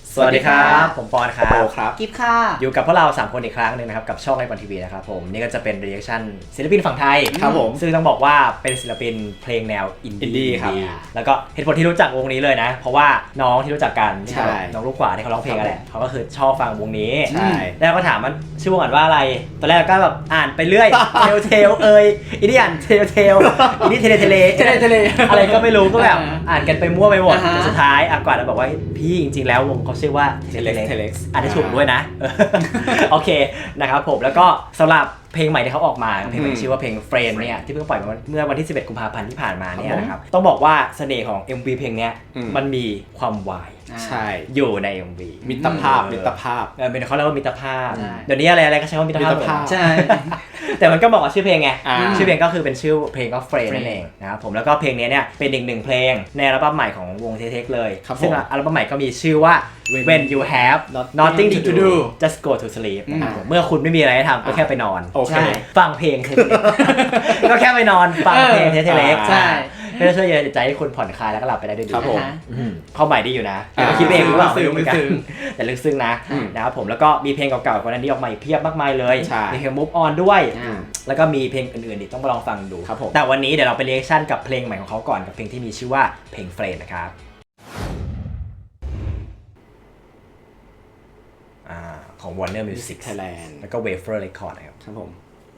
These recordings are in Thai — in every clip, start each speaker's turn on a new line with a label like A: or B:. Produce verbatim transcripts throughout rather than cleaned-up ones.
A: สวัสดีครับผมปอนครับ
B: โปครับ
C: กิฟค่ะ
A: อยู่กับพวกเราสามคนอีกครั้งหนึ่งนะครับกับช่องไอปอนทีวีนะครับผมนี่ก็จะเป็นรีแอคชั่นศิลปินฝั่งไทย
B: ครับผม
A: ซึ่งต้องบอกว่าเป็นศิลปินเพลงแนวอิน
B: อินดี้
A: ดี้
B: ครับ
A: แล้วก็เหตุผลที่รู้จักวงนี้เลยนะ เพราะว่าน้องที่รู้จักกัน
B: ใช่
A: น้องลูกกว่าที่เขาร้องเพลงกันแหละเขาก็คือชอบฟังวงนี้
B: ใช่
A: แล้วก็ถามมันชื่อวงอ่านว่าอะไรตอนแรกก็แบบอ่านไปเรื่อยเทลเทลเอยอินดี้อ่านเทลเทลอินดี้เทเลเทเล
C: เทเลเทเล
A: อะไรก็ไม่รู้ก็แบบ
C: อ่า
A: อ่านกันไปมั่วไปหมด
C: อ่าฮะ
A: แต่สุดท้ายอ่ะกว่าเราบอกว่าพี่จริงๆแล้ววงเขาชื่อว่า
B: Telex Telex
A: อ่านได้ถูกด้วยนะ โอเคนะครับผมแล้วก็สำหรับเพลงใหม่ที่เขาออกมาเพลงใหม่ที่ชื่อว่าเพลง Friend เนี่ยที่เพิ่งปล่อยมาเมื่อวันที่สิบเอ็ดกุมภาพันธ์ที่ผ่านมาเนี่ยนะครับต้องบอกว่าเสน่ห์ของ เอ็ม วี เพลงเนี้ย
B: อืม
A: มันมีความวาย
B: ใช่
A: อยู่ใน เอ็ม วี
B: มิตรภาพมิตรภาพ
A: เออเป็นเขาเรียกว่ามิตรภาพ
C: ใช่
A: เดี๋ยวนี้อะไรอะไรก็ใช้ว่ามิตรภาพ
B: มิตรภาพ
A: หมด
C: ใช่
A: แต่มันก็บอกว่าชื่อเพลงไง
B: อ่า
A: ชื่อเพลงก็คือเป็นชื่อเพลงก็ Friend นั่น
C: Friend
A: เองนะครับผมแล้วก็เพลงนี้เนี่ยเป็นอีกหนึ่งเพลงในอัลบั้มใหม่ของวงเทเทคเลย
B: ครับผม
A: ซึ่งอัลบั้มใหม่ก็มีชื่อว่า
B: When
A: When You Have Nothing to
B: to
A: Do
B: do
A: Just Go to Sleep นะครับผมเมื่อคุณไม่มีอะไรให้ทำก็แค่ไปนอน
B: โอเค
C: ใช่
A: ฟังเพลงเทเทเล็ก ก็แค่ไปนอนฟังเพลงเทเทเล็ก
B: อ่า
C: ใช่
A: ก็จะช่วยเย็นใจให้คุณผ่อนคลายแล้วก็หลับไปได้ด้วยดี
B: ครับผม
A: อืมเข้าใหม่ดีอยู่นะ
B: อ่า
A: คิดเองหรือเปล่า
C: ลึกซึ้ง
A: ไม่รู้เหมือนกัน
C: ลึกซึ้ง
A: แต่ลึกซึ้งนะ
B: อืม
A: นะครับผมแล้วก็มีเพลงเก่าๆกว่านั้นที่ออกมาอีกเพียบมากมายเลย
B: ใช่
A: มีเพลง Move On ด้วย
C: อ่า
A: แล้วก็มีเพลงอื่นๆอีกต้องมาลองฟังดู
B: ครับผม
A: แต่วันนี้เดี๋ยวเราไปเรีแอคชั่นกับเพลงใหม่ของเขาก่อนกับเพลงที่มีชื่อว่าเพลง Friend นะครับอ่าของ Warner Music
B: Thailand
A: แล้วก็ Wafer Record นะครับ
B: ครับผม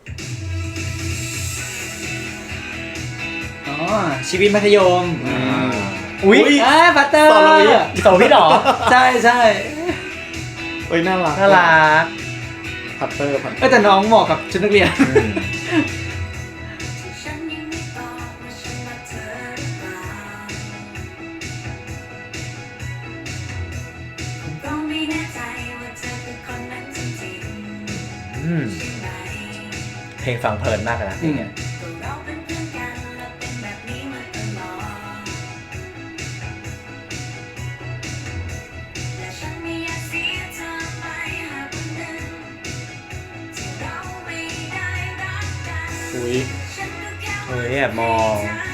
C: อ๋อชีวิตมัธยม
B: อืม
A: อุ๊ย
C: เอ้ยพัตเตอร์
B: สอนเราอีก
A: สองพี่หรอ
C: ใช่ใช่
B: เอ้ยน่ารัก
A: น่ารัก
B: พัตเตอร์พัตเต
C: เออแต่น้องเหมาะกับชุดนักเรียน
A: อืมเพลงฟังเพลินมากเลยนะเพลงเนี้ย
B: อุ้ย
A: เฮ้ยแอบมอง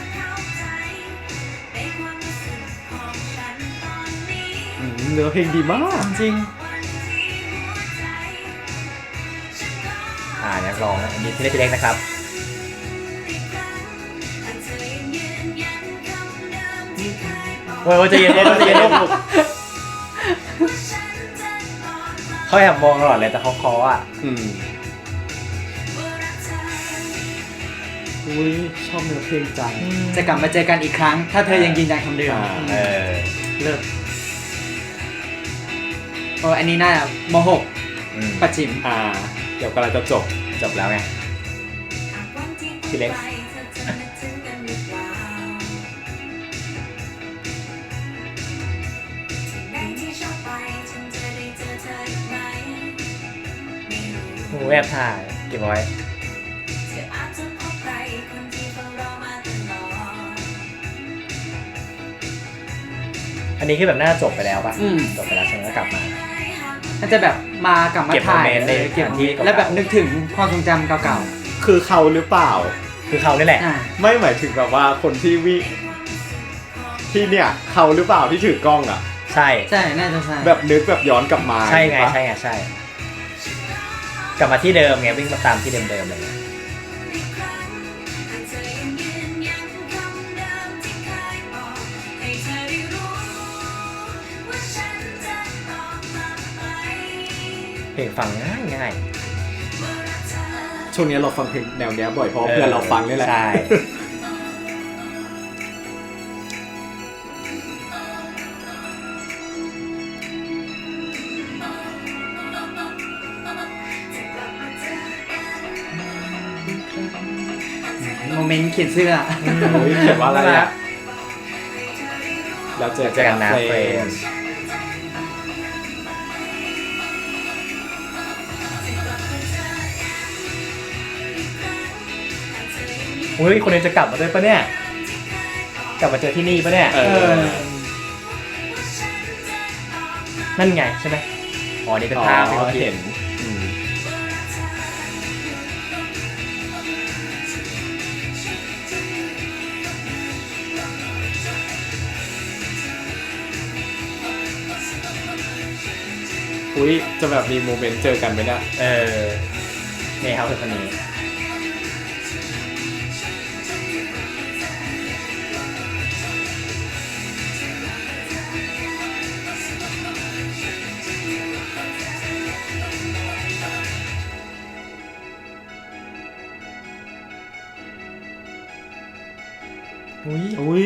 B: อืมเนื้อเพลงดีมาก
A: จริงอ่านักร้องนะอันนี้ที่เล็กๆนะครับโอ้ยใจเย็นๆใจเย็นๆเขาแอบมองตลอดเลยแต่เขาเคาะอ่ะ
B: อืมอุ้ยชอบเนื้อเพลงจัง
C: จะกลับมาเจอกันอีกครั้ง ถ้าเธอยังยืนยันคำเดิม
B: อ่า
A: เออ
C: เลิกโอ้อันนี้น่าจะมหก
A: อืม
C: ปัจฉิม
B: อ่า เดี๋ยวกำลังจะจบ
A: จบแล้วไง
B: พี่เล็ก
A: โอ้แอบถ่ายเก็บไว้ อันนี้คือแบบน่าจะจบไปแล้วป่ะ
C: อืม
A: จบไปแล้วฉันก็กลับมา
C: น่าจะแบบมากลับมา
A: เก็บ
C: ถ่าย
A: โมเมนต์ใน
C: เออเก็บ
A: สถานที่เก่าๆ
C: แล้วแบบนึกถึงความทรงจำเก่า
B: คือเขาหรือเปล่า
A: คือเขานี่แหละ
C: ๆอ่า
B: ไม่หมายถึงแบบว่าคนที่วิที่เนี่ยเขาหรือเปล่าที่ถือกล้องอ่ะ
A: ใช่
C: ใช่น่าจะใช่
B: แบบนึกแบบย้อนกลับมา
A: ใช่ไง
B: ปะ
A: ใช่ไงใช่ กลับมาที่เดิมไงวิ่งมาตามที่เดิมๆเลย เพลงฟังง่ายง่าย
B: ช่วงนี้เราฟังเพลงแนวเนี้ยบ่อยเพราะเพื่อนเราฟังนี่แหละ
A: ใช่
C: โมเมนต์เขียนเสื้อ
B: เฮ้ยเขียนว่าอะไรอ่ะแล้วเจอ
A: เจอกันนะ
B: เฟ
A: เฟ
B: ร
A: ร
B: น
A: น
B: ด์
A: อุ้ยคนนี้จะกลับมาด้วยปะเนี่ย กลับมาเจอที่นี่ปะเนี่ย
B: เออ
A: นั่นไงใช่ไหมอ๋อนี่เป็นภาพที่เขา
B: เห็
A: เห็
B: น
A: น
B: อืม
C: อ
B: อุ้ยจะแบบมีโมเมนต์เจอกันไหมเนี่ย
A: เออนี่ครับคือคนนี้อุ้ย
B: อุ้ย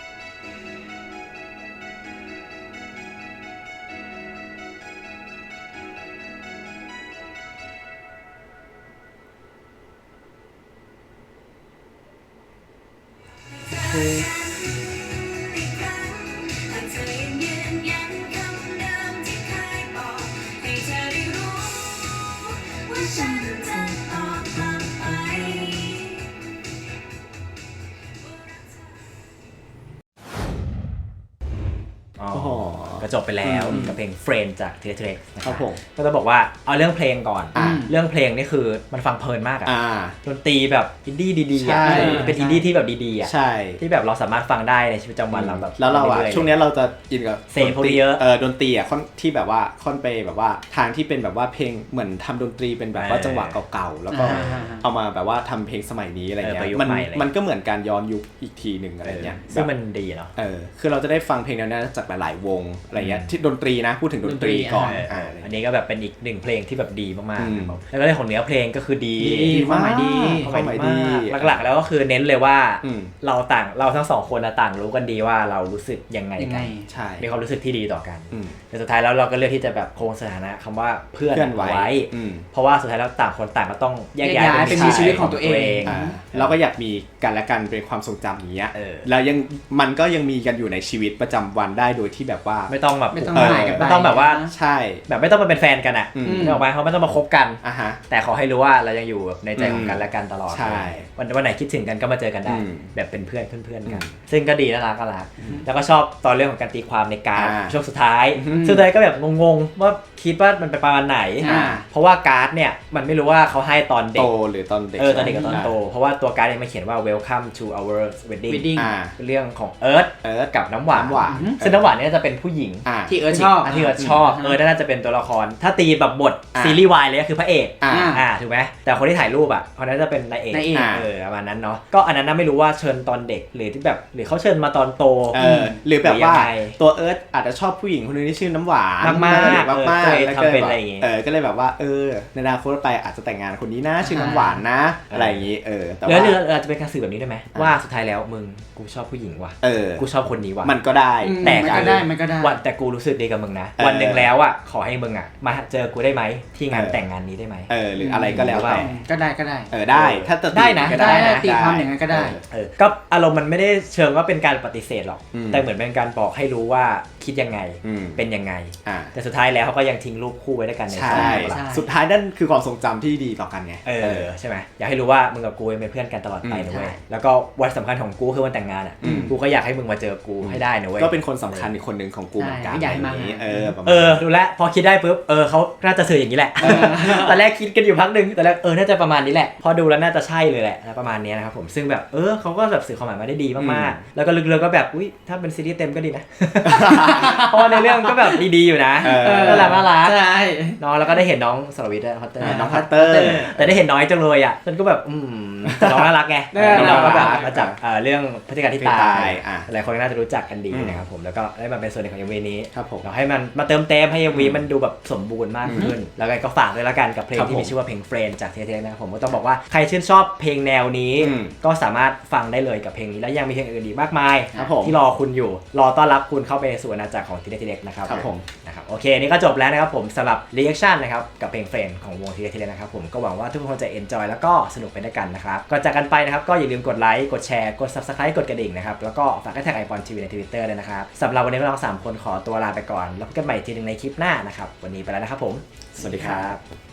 A: อ๋อ
B: โอ้โห
A: ก็จบไปแล้ว
B: อืม
A: กับเพลง Friend จากทีเทเล็กนะค
B: ครั
A: รับบ
B: ผม
A: ก็จะบอกว่าเอาเรื่องเพลงก่อน
B: อ่า
A: เรื่องเพลงนี่คือมันฟังเพลินมากอะ
B: อ่า
A: ดนตรีแบบอินดี้ดีๆ
B: ใช่
A: อะเป็นอินดี้ที่แบบดีๆอะ
B: ใช่
A: ที่แบบเราสามารถฟังได้ในชีวิตประจำวันเราแบบ
B: แล้วเราอะ
A: รื่ยๆ
B: ช่วงเนี้ยเราจะอินกับ
A: เสพพวกนี้เยอะ
B: เออดนตรีอะค่อนที่แบบว่าค่อนไปแบบว่าทางที่เป็นแบบว่าเพลงเหมือนทำดนตรีเป็นแบบว่า
A: เออ
B: จังหวะเก่าๆแล้วก็
C: อ่า
B: เอามาแบบว่าทำเพลงสมัยนี้อะไรเงี้
A: เออประ
B: ย
A: ยุกต์
B: มัน
A: ใหม่เลย
B: มันก็เหมือนการย้อนยุคอีกทีหนึ่งอะไรเงี้ย
A: ซึ่ง
B: แบบ
A: มันดีเนาะ
B: เออคือเราจะได้ฟังเพลงแนวนี้จากหลายๆวงอะไรเงี้ยที่ดนตรีนะพูดถึงดนตรีก่อน
A: เออ
B: อ่า
A: อันนี้ก็แบบเป็นอีกหนึ่งเพลงที่แบบดีมาก
B: อืม
A: ๆครับแล้วก็เรื่องของเนื้อเพลงก็คือดี
C: ดีความหมายดี
B: ความหมายดี
A: หลักๆแล้วก็คือเน้นเลยว่า
B: อืม
A: เราต่างเราทั้งสองคนน่ะต่างรู้กันดีว่าเรารู้สึกยังไง
C: ยังไง
A: กัน
B: ใช่
A: มีความรู้สึกที่ดีต่อกัน
B: อืม
A: แต่สุดท้ายแล้วเราก็เลือกที่จะแบบคงสถานะคำว่าเพื่อน
B: เพื่อนไว้
A: ไว้
B: อืม
A: เพราะว่าสุดท้ายแล้วต่างคนต่างก็ต้องแยก
C: แยก
A: ย้าย
C: ย้ายไปมีชีวิตของตัวเอง
B: อ่าเราก็อยากมีกันและกันเป็นความทรงจำอย่างเงี้ย
A: เออ
B: แล้วยังมันก็ยังมีกันอยู่ในชีวิตประจำวันได้โดยที่แบบว่า
A: ไม่ต้องแบบ
C: ไม่ต้อง
B: เออ
C: หายกันไป
A: ไม่ต้องแบบว่า
B: ใช่
A: แบบไม่ต้องมาเป็นแฟนกันอ่ะ
B: อืม
A: นึกออกไหมเขาไม่ต้องมาคบกัน
B: อ่ะฮะ
A: แต่ขอให้รู้ว่าเรายังอยู่ในใจของกันและกันตลอด
B: ใช่
A: วันวันไหนคิดถึงกันก็มาเจอกันได้
B: อืม
A: แบบเป็นเพื่อนเพื่อนๆกัน
B: อืม
A: ซึ่งก็ดีน่ารักก็รักแล้วก็ชอบตอนเรื่องของการตีความในการ์ด
B: อ่า
A: ช่วงสุดท้าย
B: อืม
A: สุดท้ายก็แบบงงๆว่าคิดว่ามันเป็นประมาณไหน
C: อ่า
A: เพราะว่าการ์ดเนี่ยมันไม่รู้ว่าเขาให้ตอนเด็
B: โต
A: ก
B: หรือตอนเด็ก
A: เออตอนเด็กกับตอนโต เพราะว่าตัวการ์ดเนี่ยมันเขียนว่า welcome to our wedding
C: Wedding
B: อ่า
A: เป็นเรื่องของเอิร์ธ
B: เอิร์ธ
A: กับน้ำหวาน
B: น้ำหวาน
A: ซึ่งน้ำหวานเนี่ยจะเป็นผู้หญิง
B: อ่า
C: ที่เอิร์ธชอบ
A: อ่ะที่เอิร์ธชอบเออน่าจะเป็นตัวละคร ถ้าตีแบบบท
B: อ่ะ
A: ซีรีส์วายเลยก็คือพระเอก
B: อ่า
A: อ่าถูกไหมแต่คนที่ถ่ายรูปอ่ะคนนั้นจะเป็นนายเอก
C: นายเอก
A: เออประมาณนั้นเนาะก็อันนั้นน่ะไม่รู้ว่าเชิญตอนเด็กหรือที่แบบหรือเขาเชิญมาตอนโต
B: เออหรือแบบว่า
A: หรือยังไง
B: ตัวเอิร์ธอาจจะชอบผู้หญิงคนนึงที่ชื่อน้ำหวาน
A: มากๆ
B: มากมาก
A: เออ
B: แล้ว
A: ทำ
B: ก็
A: เป็น
B: แบบ
A: อะไรอย่างงี้
B: เออก็เลยแบบว่าเออในอนาคตไปอาจจะแต่งงานคนนี้นะชื่อน้ำหวานนะ อะไรอย่างงี้เออแต่
A: หรือ
B: ว่า
A: หรืออาจจะเป็นการสื่อแบบนี้ได้ไหมว่าสุดท้ายแล้วมึงกูชอบผู้หญิงว่ะ
B: เออ
A: กูชอบคนนี้ว่ะ
B: มันก็ได้
C: อืม
A: แต่
C: มันก็ได้มันก็ได้
A: วันแต่กูรู้สึกดีกับมึงนะ
B: เออ
A: วันหนึ่งแล้วอ่ะขอให้มึงอ่ะมาเจอกูได้ไหมที่งาน
B: เออ
A: แต่งงานนี้ได้ไหม
B: เออหรืออะไรก็แล้วแต่
C: ก็ได้ก็ได้
B: เออได้ถ้าจะ
A: ได้นะ
B: ก็
C: ได้
B: นะ
C: ตีความอย่างนั้นก็ได้
B: เออ
A: เออก็อารมณ์มันไม่ได้เชิงว่าเป็นการปฏิเสธหรอก
B: อืม
A: แต่เหมือนเป็นการบอกให้รู้ว่าคิดยังไง
B: อืม
A: เป็นยังไง
B: อ่า
A: แต่สุดท้ายแล้วเขาก็ยังทิ้งรูปคู่ไว้ด้วยกันใน
B: ใช่
A: ใจ
C: ใช่
B: สุดท้ายนั่นคือความทรงจำที่ดีต่อกันไง
A: เออใช่ไหมอยากให้รู้ว่ามึงกับกูยังเป็นเพื่อนกันตลอดไป
B: อืม
A: นะเว้ย
C: ใช่
A: แล้วก็วันสำคัญของกูคือวันแต่งงานอ่ะ
B: อืม
A: กูก็อยากให้มึงมาเจอกูให้ได้นะเว้ย
B: ก็เป็นคนสำคัญอีกคนหนึ่งของกูเหมือนกัน
C: ใช่ไม่อยากให้มา
B: ะไรย่งงี้เออประมาณ
A: เออดูแลวพอคิดได้ปุ๊บเออเขาน่าจะสื่ออย่างนี้แหละ ตอนแรกคิดกันอยู่พักหนึ่งตอนแรกเออน่าจะประมาณนี้แหละ พอดูแล้วน่าจะใช่เลยแหละประมาณนี้นะครับผมซึ่งแบบเออเขาก็แบบสื่อความหมายมาได้ดีมากๆแล้วก็ลึกๆก็แบบอุ้ยถ้าเป็นซีรีส์เต็มก็ดีนะ เพราะว่าในเรื่องก็แบบดีๆอยู่นะ
B: เออ
A: น่ารักน่ารัก
C: ใช่
A: น้องแล้วก็ได้เห็นน้องสรวิทย์ด้วยพัตเตอร์
B: น้องพัตเตอร์
A: แต่ได้เห็นน้อยจังเลยอ่ะฉันก็แบบอืมแต่น้องน่ารักไง
C: เออ
A: ที่น้องก็แบบ
B: น่ารัก
A: มาจากเอ่อเรื่องพฤติการที่
B: ที่
A: ตา
B: ตาย ยอ่ะ
A: หลายคนน่าจะรู้จักกันดี
B: อืม
A: นะครับผมแล้วก็ได้มาเป็นส่วนหนึ่งของ เอ็ม วี นี้
B: ครับผม
A: เราให้มันมาเติมเต็มให้ เอ็ม วี มันดูแบบสมบูรณ์มากขึ้น แล้วก็ฝากด้วยละกันกับเพลง
B: ครับ
A: ที่
B: ผม
A: มีชื่อว่าเพลงเฟรนจากเทเทนะครับผมก็ต้องบอกว่าใครชื่นชอบเพลงแนวนี้
B: อืม
A: ก็สามารถฟังได้เลยกับเพลงนี้แล้วยังมีเพลงอื่นอีกมากมาย
B: ครับผม
A: ที่รอคุณอยู่รอต้อนรับคุณเข้าไปสู่อาณาจักรของทีเด็กนะครับ
B: ครับผม
A: นะครับโอเคนี่ก็จบแล้วนะครับผมสำหรับ reaction นะครับกับเพลงเฟรนของวงทีเด็กนะครับผมก็หวังว่าทุกคนจะ enjoy แล้วก็สนุกไปด้วยกันนะครับก่อนจากกันไปนะครับก็อย่าลืมกดไลค์กดแชร์กด subscribe กดกระดิ่งนะครับแล้วก็ฝากให้แท็กไอปอนทีวีใน Twitter ด้วยนะครับสำหรับวันนี้พวกเราสามคนขอตัวลาไปก่อนแล้วพบกันใหม่ทีหนึงในคลิปหน้านะครับวันนี้ไปแล้วนะครับผม
B: สวัสดีครับ